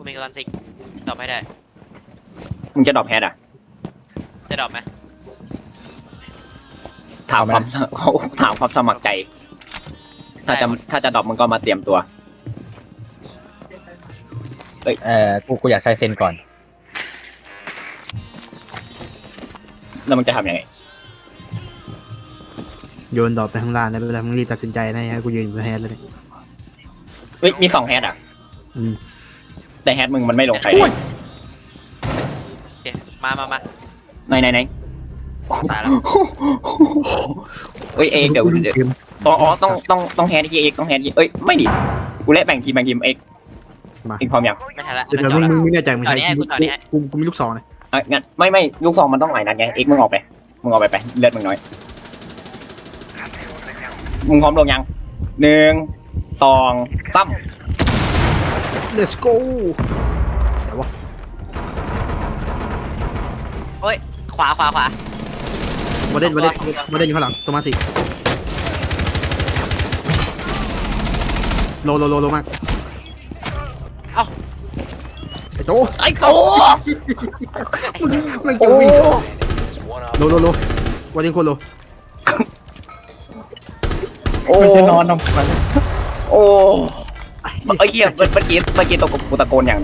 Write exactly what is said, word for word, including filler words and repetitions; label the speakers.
Speaker 1: กูมีกระซิกดรอปให้ได้
Speaker 2: มึงจะดรอปแฮดอ่ะ
Speaker 1: จะดรอปไหม
Speaker 2: ถามความเขาถามความสมัครใจถ้าจะถ้าจะดรอปมึงก็มาเตรียมตัว
Speaker 3: เออกูกูอยากใช้เซนก่อน
Speaker 2: แล้วมึงจะทำยังไง
Speaker 4: โยนดอกไปข้างล่างแล้วเวลามึงรีบตัดสินใจนะฮะกูยืนอยู่แฮนด์เลย
Speaker 2: เฮ้ยมีสองแฮดอ่ะแต่แฮดมึงมันไม่ลงใครเลย
Speaker 1: โอเคมามามา
Speaker 2: ไหนไหนไหน
Speaker 1: ตายแล้ว
Speaker 2: เฮ้ยเอกเดี๋ยวเดี๋ยวอ๋อต้องต้องต้องแฮดที่เอกต้องแฮดที่เอ้ยไม่ดิกูเล่นแบ่งทีมแบ่งทีมเอกเอกพร้อมยัง
Speaker 1: ไม่ทันละ
Speaker 4: เดี๋ยวมึงมึงไม่แน่ใจมึงใช้กูกูมีลูกซองเลย
Speaker 2: อ่ะงั้นไม่ไม่ลูกซองมันต้องหลายนัดไงเอกมึงออกไปมึงออกไปไปเลือดมึงน้อยมึงพร้อมลงยังหนึ่งสองสาม
Speaker 4: let's go เดี๋ยววะ
Speaker 1: โอ้ยขวาขวาขวา
Speaker 4: มาเด่นมาเด่นมาเด่นอยู่ข้างหลังตัวมาสิโลโลโลโลมาก
Speaker 1: เอ้า
Speaker 4: ไอ้โต
Speaker 2: ไอ้โต
Speaker 4: มันจะวิ่งโลโลโลวันนี้คนโล
Speaker 2: โอ้
Speaker 3: จะนอนทำไม
Speaker 2: โอ้ไอ้เหี้ยเมื่อกี้เมื่อกี้ตะโกนกูตะโกนอย่าง